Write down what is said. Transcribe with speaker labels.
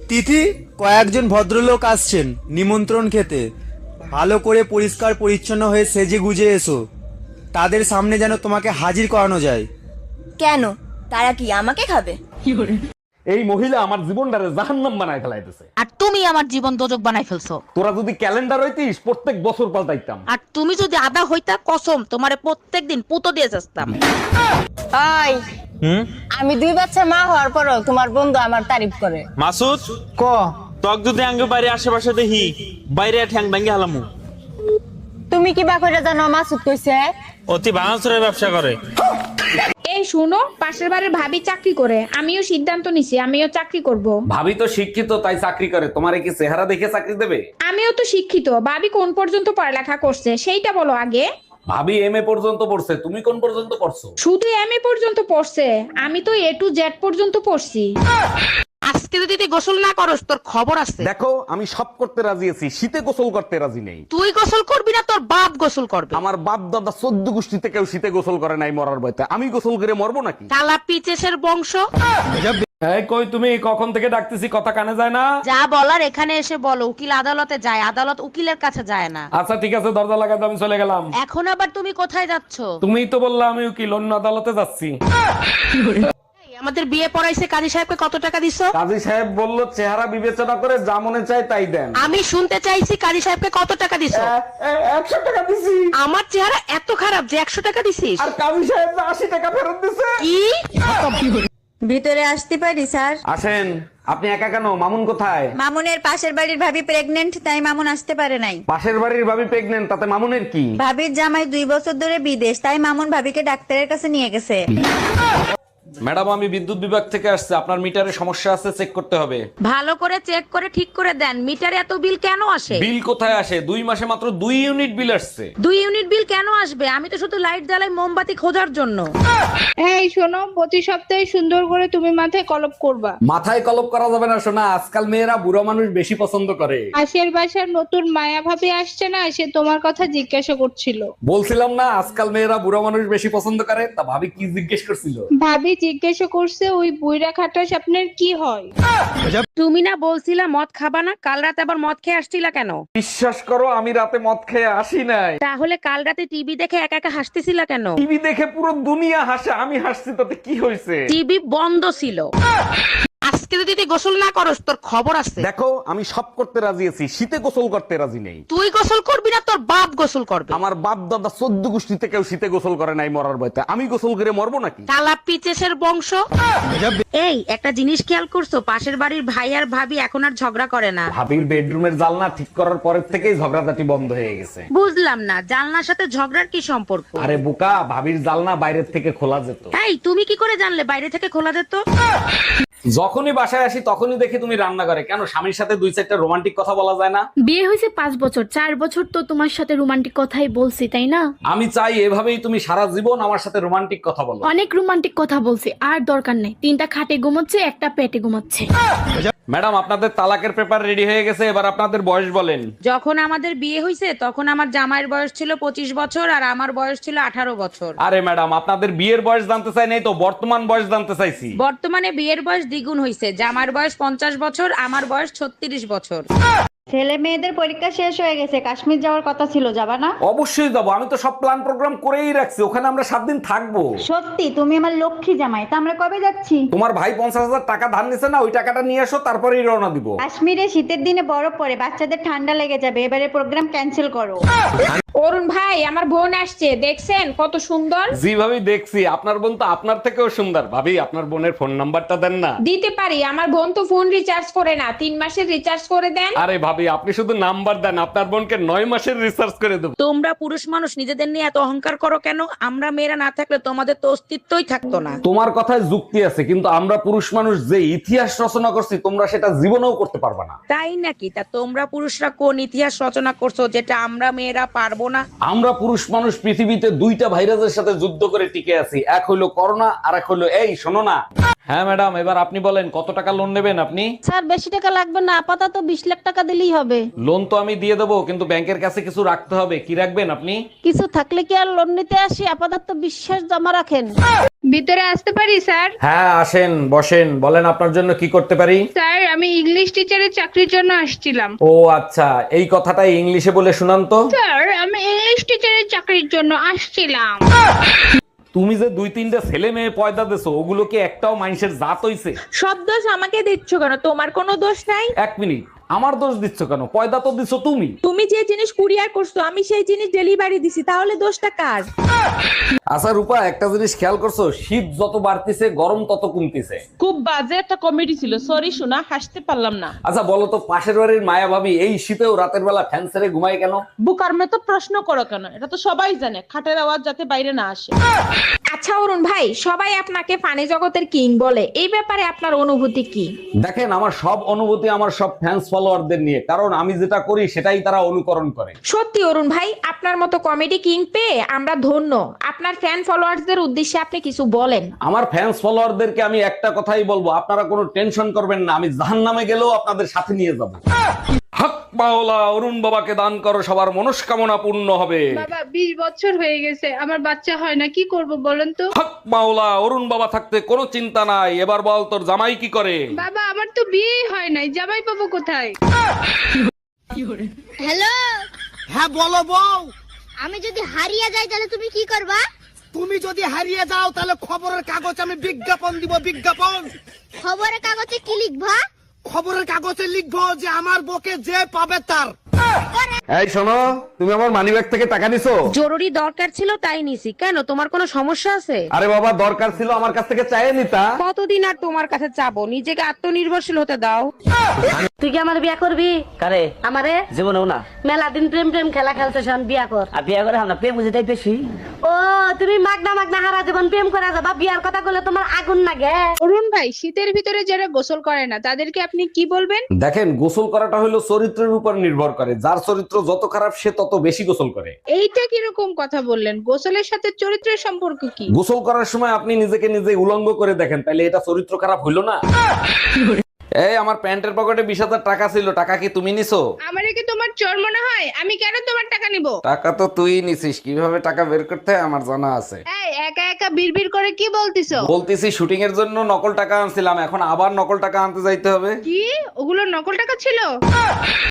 Speaker 1: তিথি, কয়েকজন ভদ্রলোক আসছেন নিমন্ত্রণ খেতে। ভালো করে পরিষ্কার পরিচ্ছন্ন হয়ে সেজে গুজে এসো, তাদের সামনে যেন তোমাকে হাজির করানো যায়।
Speaker 2: কেন, তারা কি আমাকে খাবে?
Speaker 3: এই মহিলা আমার জীবনটারে জাহান্নাম বানায় ফেলাইতেছে।
Speaker 4: আর তুমি আমার জীবন দোজক বানাই ফেলছো।
Speaker 3: তোরা যদি ক্যালেন্ডার হইতিস প্রত্যেক বছর পাল্টাইতাম।
Speaker 4: আর তুমি যদি আদা হইতা কসম তোমারে প্রত্যেকদিন পুতো দিয়ে যাস্তাম।
Speaker 2: ওই আমি 2 বাচ্চা মা হওয়ার পরও তোমার বন্ধু আমার তারিফ করে।
Speaker 5: মাসুদ ক তক যদি আঙ্গ বাইরে আশেপাশে দেখি বাইরে ঠ্যাং ভাঙ্গি হালামু।
Speaker 2: তুমি কি বা কইরা জানো মাসুদ কইছে?
Speaker 5: অতি ভাঙাচুরের ব্যবসা করে।
Speaker 6: এই শুনো, পাশের বাড়ির ভাবি চাকরি করে, আমিও সিদ্ধান্ত নিছি আমিও চাকরি করব।
Speaker 3: ভাবি তো শিক্ষিত তাই চাকরি করে, তোমারে কি চেহারা দেখে চাকরি দেবে?
Speaker 6: আমিও তো শিক্ষিত, ভাবি কোন পর্যন্ত পড়ালেখা করছে সেইটা বলো আগে।
Speaker 3: ভাবি এমএ পর্যন্ত পড়ছে, তুমি কোন পর্যন্ত পড়ছো?
Speaker 6: শুধু এমএ পর্যন্ত পড়ছে, আমি তো A to Z পর্যন্ত পড়ছি।
Speaker 4: আজকে যদি তুই গোসল না করস তোর খবর আছে।
Speaker 3: দেখো আমি সব করতে রাজি আছি, শীতে গোসল করতে রাজি নেই।
Speaker 4: তুই গোসল করবি না তোর বাপ গোসল করবে।
Speaker 3: আমার বাপ দাদা 14 গোষ্ঠীতে কেউ শীতে গোসল করে নাই মরার ভয়তে, আমি গোসল করে মরবো নাকি?
Speaker 4: কালা পিচেসের বংশ।
Speaker 3: এই কই তুমি, কখন থেকে ডাকতেছি কথা কানে যায় না?
Speaker 4: যা বলার এখানে এসে বলো, উকিল আদালতে যায়, আদালত উকিলের কাছে যায় না।
Speaker 3: আচ্ছা ঠিক আছে, দরজা লাগাতে আমি চলে গেলাম।
Speaker 4: এখন আবার তুমি কোথায় যাচ্ছ?
Speaker 3: তুমিই তো বললা আমি উকিল, অন্য আদালতে যাচ্ছি।
Speaker 4: এই, আমাদের বিয়ে পড়াইছে কাজী সাহেবকে কত টাকা দিছো?
Speaker 3: কাজী সাহেব বলল চেহারা বিবেচনা করে যা মনে চায় তাই দেন।
Speaker 4: আমি শুনতে চাইছি কাজী সাহেবকে কত টাকা দিছো?
Speaker 3: 100 টাকা দিছি।
Speaker 4: আমার চেহারা এত খারাপ যে 100 টাকা দিছিস?
Speaker 3: আর কাজী সাহেব 80 টাকা ফেরত দিছে।
Speaker 4: কি?
Speaker 2: ভিতরে আসতে পারি স্যার?
Speaker 3: আসেন। আপনি একা কেন? মামুন কোথায়?
Speaker 2: মামুনের পাশের বাড়ির ভাবি প্রেগনেন্ট, তাই মামুন আসতে পারে নাই।
Speaker 3: পাশের বাড়ির ভাবি প্রেগনেন্ট, তাতে মামুনের কি?
Speaker 2: ভাবির জামাই 2 বছর ধরে বিদেশ, তাই মামুন ভাবিকে ডাক্তারের কাছে নিয়ে গেছে।
Speaker 3: ম্যাডাম আমি বিদ্যুৎ বিভাগ থেকে আসছে, আপনার মিটারে সমস্যা আছে, চেক করতে হবে।
Speaker 4: ভালো করে চেক করে ঠিক করে দেন, মিটারে এত বিল কেন আসে?
Speaker 3: বিল কোথায় আসে? 2 মাসে মাত্র 2 ইউনিট বিল আসছে।
Speaker 4: 2 ইউনিট বিল কেন আসবে? আমি তো শুধু লাইট জ্বালাই মোমবাতি খোঁজার জন্য।
Speaker 6: এই শোনো, প্রতি সপ্তাহে সুন্দর করে তুমি মাথায় কলপ করবা।
Speaker 3: মাথায় কলপ করা যাবে না সোনা, আজকাল মেয়েরা বুড়ো মানুষ বেশি পছন্দ করে।
Speaker 6: পাশের বাসার নতুন মায়া ভাবি আসছে না, সে তোমার কথা জিজ্ঞাসা করছিল।
Speaker 3: বলছিলাম না আজকাল মেয়েরা বুড়ো মানুষ বেশি পছন্দ করে, তা ভাবি কি জিজ্ঞেস করছিল?
Speaker 6: ভাবি জিজ্ঞাসা করছে ওই বুইড়া খাটাস আপনার কি হয়?
Speaker 4: তুমি না বলছিলা মদ খাবা না, কাল রাতে আবার মদ খেয়ে আসছিলা কেন?
Speaker 3: বিশ্বাস করো আমি রাতে মদ খেয়ে আসি নাই।
Speaker 4: তাহলে কাল রাতে টিভি দেখে একা একা হাসতেছিলা কেন?
Speaker 3: টিভি দেখে পুরো দুনিয়া হাসে, আমি হাসছি তাতে কি হয়েছে?
Speaker 4: টিভি বন্ধ ছিল। আজকে যদি তুই গোসল না করস তোর খবর আছে।
Speaker 3: দেখো আমি সব করতে রাজি আছি, শীতে গোসল করতে রাজি নেই।
Speaker 4: তুই গোসল করবি না তোর বাপ গোসল করবে।
Speaker 3: আমার বাপ দাদা 14 গোষ্ঠীতে কেউ শীতে গোসল করে নাই মরার ভয়তে, আমি গোসল করে মরবো নাকি?
Speaker 4: কালা পিচেসের বংশ। এই একটা জিনিস খেয়াল করছো, পাশের বাড়ির ভাই আর ভাবি এখন আর ঝগড়া করে না।
Speaker 3: ভাবির বেডরুমের জানলা ঠিক করার পরের থেকেই ঝগড়াঝাটি বন্ধ হয়ে গেছে।
Speaker 4: বুঝলাম না, জানলার সাথে ঝগড়ার কি সম্পর্ক?
Speaker 3: আরে বোকা, ভাবির জানলা বাইরের থেকে খোলা যেত।
Speaker 4: এই তুমি কি করে জানলে বাইরে থেকে খোলা যেত?
Speaker 3: যখনই বাসায় আসি তখনই দেখি তুমি রান্না করে, কেন স্বামীর সাথে 2-4টা রোমান্টিক কথা বলা যায় না?
Speaker 7: বিয়ে হয়েছে 5 বছর, 4 বছর তো তোমার সাথে রোমান্টিক কথাই বলছি, তাই না?
Speaker 3: আমি চাই এভাবেই তুমি সারা জীবন আমার সাথে রোমান্টিক কথা বলো।
Speaker 7: অনেক রোমান্টিক কথা বলছি, আর দরকার নেই। 3টা খাটে ঘুমাচ্ছে, একটা পেটে ঘুমাচ্ছে।
Speaker 3: ম্যাডাম আপনাদের তালাকের পেপার রেডি হয়ে গেছে, এবার আপনাদের বয়স বলেন।
Speaker 4: যখন আমাদের বিয়ে হয়েছে তখন আমার জামাইয়ের বয়স ছিল 25 বছর আর আমার বয়স ছিল 18 বছর।
Speaker 3: আরে ম্যাডাম আপনাদের বিয়ের বয়স জানতে চাই নাই তো, বর্তমান বয়স জানতে চাইছি।
Speaker 4: বর্তমানে বিয়ের বয়স দ্বিগুণ হয়েছে, জামার বয়স 50 বছর, আমার বয়স 36 বছর।
Speaker 2: ছেলে মেয়েদের পরীক্ষা শেষ হয়ে গেছে, কাশ্মীর যাওয়ার কথা ছিল, যাবা না?
Speaker 3: অবশ্যই যাবো, আমি তো সব প্ল্যান প্রোগ্রাম করেই রাখছি, ওখানে আমরা 7 দিন থাকবো।
Speaker 2: সত্যি? তুমি আমার লক্ষ্মী জামাই, তা আমরা কবে যাচ্ছি?
Speaker 3: তোমার ভাই 50,000 টাকা ধার নিছে না, ওই টাকাটা নিয়ে আসো, তারপরেই রওনা দিব।
Speaker 2: কাশ্মীরে শীতের দিনে বরফ পড়ে, বাচ্চাদের ঠান্ডা লেগে যাবে, এবারে প্রোগ্রাম ক্যান্সেল করো।
Speaker 6: অরুণ ভাই, আমার বোন আসছে, দেখছেন কত সুন্দর?
Speaker 3: জি ভাবি দেখছি, আপনার বোন তো আপনার থেকেও সুন্দর। ভাবি আপনার বোনের ফোন নাম্বারটা দেন না।
Speaker 6: দিতে পারি, আমার বোন তো ফোন রিচার্জ করে না, 3 মাসের রিচার্জ করে দেন।
Speaker 3: আরে ভাবি আপনি শুধু নাম্বার দেন, আপনার বোনকে 9 মাসের রিসার্চ করে দেবো।
Speaker 4: তোমরা পুরুষ মানুষ নিজেদের নিয়ে এত অহংকার করো কেন? আমরা মেয়েরা না থাকলে তোমাদের তো অস্তিত্বই থাকতো না।
Speaker 3: তোমার কথায় যুক্তি আছে, কিন্তু আমরা পুরুষ মানুষ যে ইতিহাস রচনা করছি তোমরা সেটা জীবনেও করতে পারবে না।
Speaker 4: তাই নাকি? তা তোমরা পুরুষরা কোন ইতিহাস রচনা করছো যেটা আমরা মেয়েরা পারবো না।
Speaker 3: আমরা পুরুষ মানুষ পৃথিবীতে দুইটা ভাইরাসের সাথে যুদ্ধ করে টিকে আছি, এক হলো করোনা আর এক হলো এই শোনো না। হ্যাঁ ম্যাডাম, এবার আপনি বলেন কত টাকা লোন নেবেন আপনি?
Speaker 2: স্যার বেশি টাকা লাগবে না, আপাতত 20 লাখ টাকা দিলেই হবে।
Speaker 3: লোন তো আমি দিয়ে দেবো, কিন্তু ব্যাংকের কাছে কিছু রাখতে হবে। কি রাখবেন আপনি?
Speaker 2: কিছু থাকলে কি আর লোন নিতে আসি, আপাতত বিশ্বাস জমা রাখেন।
Speaker 6: ভিতরে আসতে পারি স্যার?
Speaker 3: হ্যাঁ আসেন, বসেন, বলেন আপনার জন্য কি করতে পারি।
Speaker 6: স্যার আমি ইংলিশ টিচারের চাকরির জন্য আসছিলাম।
Speaker 3: ও আচ্ছা, এই কথাটাই ইংলিশে বলে শুনান তো।
Speaker 6: স্যার আমি ইংলিশ টিচারের চাকরির জন্য আসছিলাম।
Speaker 3: তুমি যে 2-3টা ছেলে মেয়ে পয়দা দেছো, ওগুলো কি একটাও মানুষের জাত হইছে?
Speaker 6: সব দোষ আমাকে দিচ্ছ কেন? তোমার কোনো দোষ নাই।
Speaker 3: এক মিনিট, আমার দোষ দিচ্ছ কেন? পয়দা তো দিছো তুমি।
Speaker 6: তুমি যে জিনিস কুরিয়ার করছো আমি সেই জিনিস ডেলিভারি দিছি, তাহলে দোষটা কার?
Speaker 3: আচ্ছা রূপা, একটা জিনিস খেয়াল করছো, শীত যত বাড়তিছে গরম তত কমতিছে।
Speaker 8: খুব বাজে একটা কমেডি ছিল, সরি শোনা, হাসতে পারলাম না।
Speaker 3: আচ্ছা বলো তো, পাশের বাড়ির মায়া ভাবি এই শীতেও রাতের বেলা ফ্যান ছেড়ে ঘুমায় কেন?
Speaker 8: বুকার মে তো প্রশ্ন করো কেন? এটা তো সবাই জানে, খাটের আওয়াজ যাতে বাইরে না আসে।
Speaker 6: আচ্ছা অরুণ ভাই, সবাই আপনাকে ফানি জগতের কিং বলে, এই ব্যাপারে আপনার অনুভূতি কি?
Speaker 3: দেখেন, আমার সব অনুভূতি আমার সব ফ্যান্স ফলোয়ারদের নিয়ে, কারণ আমি যেটা করি সেটাই তারা অনুকরণ করে।
Speaker 6: সত্যি অরুণ ভাই, আপনার মতো কমেডি কিং পেয়ে আমরা ধন্য। আপনার ফ্যান ফলোয়ার্সদের উদ্দেশ্যে আপনি কিছু বলেন।
Speaker 3: আমার ফ্যান্স ফলোয়ারদেরকে আমি একটা কথাই বলবো, আপনারা কোনো টেনশন করবেন না, আমি জাহান্নামে গেলেও আপনাদের সাথে নিয়ে যাব। হক মাওলা, অরুণ বাবাকে দান করো, সবার মনস্কামনা পূর্ণ হবে।
Speaker 6: বাবা 20 বছর হয়ে গেছে, আমার বাচ্চা হয় না, কি করব বলেন তো?
Speaker 3: হক মাওলা, অরুণ বাবা থাকতে কোনো চিন্তা নাই। এবার বল, তোর জামাই কি করে?
Speaker 6: বাবা আমার তো বিয়ে হয় নাই, জামাই পাবো কোথায়?
Speaker 9: হ্যালো,
Speaker 10: হ্যাঁ বলো বউ।
Speaker 9: আমি যদি হারিয়ে যাই তাহলে তুমি কি করবা?
Speaker 10: তুমি যদি হারিয়ে যাও তাহলে খবরের কাগজ আমি বিজ্ঞাপন দিব, বিজ্ঞাপন।
Speaker 9: খবরের কাগজে কি লিখবা?
Speaker 10: খবরের কাগজে লিখবো যে আমার বউকে যে পাবে তার।
Speaker 3: এই শোনো, তুমি আমার মানিব্যাগ থেকে টাকা নিছো?
Speaker 4: জরুরি দরকার ছিল তাই নিছি। কেন, তোমার কোনো সমস্যা আছে?
Speaker 3: আরে বাবা, দরকার ছিল আমার কাছ থেকে চাইয়ে নিতা।
Speaker 4: কতদিন আর তোমার কাছে চাবো? নিজেকে আত্মনির্ভরশীল হতে দাও।
Speaker 2: তুই কি আমার বিয়া করবি?
Speaker 11: কারে?
Speaker 2: আমারে
Speaker 11: জীবনেও না।
Speaker 2: মেলা দিন প্রেম প্রেম খেলা খেলতেছ, বিয়া কর।
Speaker 11: আর বিয়ে করে আমরা প্রেম বুঝেটাই বেশি।
Speaker 2: ও তুমি মাগনা মাগনা হারা জীবন প্রেম করে যাবা, বিয়ার কথা বলে তোমার আগুন লাগে।
Speaker 6: অরুণ ভাই, শীতের ভিতরে যারা গোসল করে না তাদেরকে আপনি কি বলবেন?
Speaker 3: দেখেন, গোসল করাটা হলো চরিত্রের উপর নির্ভর করে, যার চরিত্র যত খারাপ সে তত বেশি গোসল করে।
Speaker 6: এইটা কিরকম কথা বললেন? গোসলের সাথে চরিত্রের সম্পর্ক কি?
Speaker 3: গোসল করার সময় আপনি নিজেকে নিজে উলঙ্গ করে দেখেন, তাইলে এটা চরিত্র খারাপ হইলো না? এই আমার প্যান্টের পকেটে 20,000 টাকা ছিল, টাকা কি তুমি নিছো?
Speaker 6: আমারে কি তোমার চোর মনে হয়? আমি কেন তোমার টাকা নিব?
Speaker 3: টাকা তো তুই নিছিস, কিভাবে টাকা বের করতে হয় আমার জানা আছে।
Speaker 6: এই একা একা বিড়বিড় করে কি বলতিছো?
Speaker 3: বলতেছি শুটিং এর জন্য নকল টাকা আনছিলাম, এখন আবার নকল টাকা আনতে যাইতে হবে।
Speaker 6: কি ওগুলো নকল টাকা ছিল?